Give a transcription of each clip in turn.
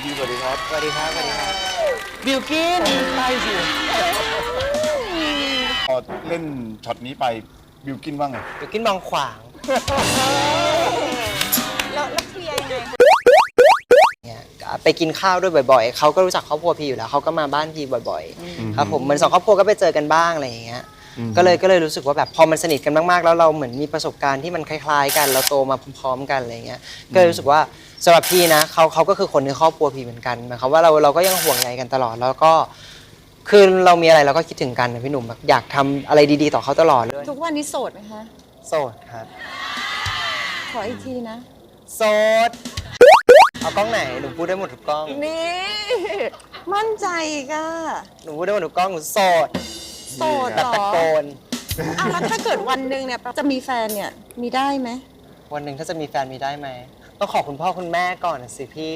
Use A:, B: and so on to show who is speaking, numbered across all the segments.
A: สวัสดีครับ
B: สวัสดีครับ สวัสดีครับ บิลกินใช่สิ
A: พอเล่นช็อตนี้ไปบิวกินว่าไง
B: บิลกินมองขวาง
C: แล้วเคลียร์ยังไง
B: เนี่ยไปกินข้าวด้วยบ่อยๆ เขาก็รู้จักครอบครัวพี่อยู่แล้ว เขาก็มาบ้านพี่บ่อยๆ ครับผมเหมือนสองครอบครัวก็ไปเจอกันบ้างอะไรอย่างเงี้ย ก็เลยรู้สึกว่าแบบพอมันสนิทกันมากๆ แล้วเราเหมือนมีประสบการณ์ที่มันคล้ายๆกัน เราโตมาพร้อมๆกันอะไรเงี้ย ก็เลยรู้สึกว่าสำหรับพี่นะเขาก็คือคนในครอบครัวพี่เหมือนกันหมายความว่าเราก็ยังห่วงใยกันตลอด แล้วก็คือเรามีอะไรเราก็คิดถึงกันนะพี่หนุ่มแบบอยากทำอะไรดีๆต่อเขาตลอดเลย
C: ทุกวันนี้โสดไหมคะ
B: โสดครับ
C: ขออีกทีนะ
B: โสด เอากล้องไหน หนูพูดได้หมดทุกกล้อง
C: นี่ มั่นใจอีก็
B: หนูพูดได้หมดทุกกล้อง หนูโสด
C: โสด
B: แบบ
C: เหร
B: ตะ
C: อ
B: โกน
C: อ่ะแล้วถ้าเกิดวันหนึ่งเนี่ยจะมีแฟนเนี่ยมีได้ไหม
B: วันหนึ่งถ้าจะมีแฟนมีได้ไหม ต้องขอคุณพ่อคุณแม่ก่อนนะสิพี่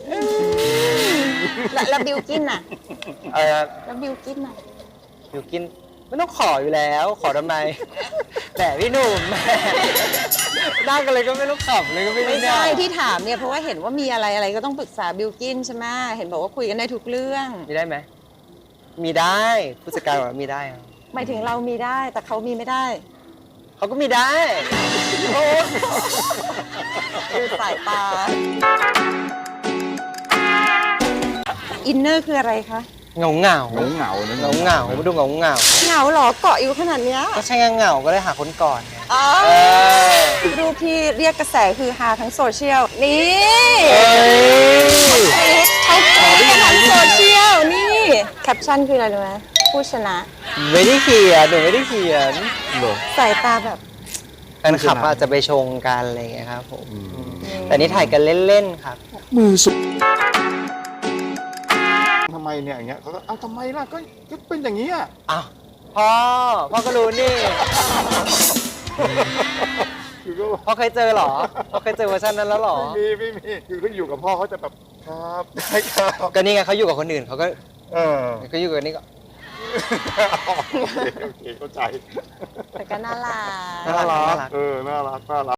C: แล้วบิวกินน่ะ
B: เออ
C: แล้วบิวกินน่ะ
B: อยู่กินไม่ต้องขออยู่แล้ว ขอทำไม แต่พี่หนุ่มแม่ได้กันเลยก็ไม่ต้องขำเลยก็ไม่
C: ไม่
B: ได้
C: ใช่ที่ถามเนี่ยเพราะว่าเห็นว่ามีอะไรก็ต้องปรึกษาบิวกินใช่ไหมเห็นบอกว่าคุยกันได้ทุกเรื่อง
B: มีได้ไหม มีได้ผู้จัดการบอกว่ามีได้ครับ
C: หมายถึงเรามีได้แต่เขามีไม่ได้
B: เขาก็มีได้โอ้
C: ดูสายตา อินเนอร์คืออะไรคะ
B: เหงาเหงา
A: เหงานะ
B: เหงาเหงามาดูเหงาเหงา
C: เหงาเหรอเกาะอยู่ขนาดเนี้ย
B: ก็ใช่ไงเหงาก็เลยหาคนก่อนไง
C: อ๋อ
B: เออ
C: รูปที่เรียกกระแสคือฮาทั้งโซเชียล นี่
B: เอ้ย
C: เขากรี๊ดกันทั้งโซเชียล นี่ แคปชั่นคืออะไรรู้ไหมผู้ชนะ
B: ไม่ได้เขียนหนูไม่ได้เขียน
A: เหรอ
C: สายตาแบบ
B: แฟนคลับอาจจะไปชงกันอะไรอย่างเงี้ยครับผมแต่นี่ถ่ายกันเล่นๆครับ
A: มือสุดทำไมเนี่ยอย่างเงี้ยเขาก็เอ้าทำไมล่ะก็เป็นอย่างนี้อ่ะ
B: อ้าวพ่อก็รู้นี่
A: คือก็
B: พ่อเคยเจอเหรอพ่อเคยเจอเวอร์ชันนั้นแล้วเหรอ
A: ไม่มีคือเขาอยู่กับพ่อเขาจะแบบครับได้ครับ
B: ก็นี่ไงเขาอยู่กับคนอื่นเขาก็
A: เออ
B: เขาอยู่กับนี่ก็
A: โอเคเข้าใจ
C: แต่ก็น่ารัก
B: น่ารัก
A: น่ารัก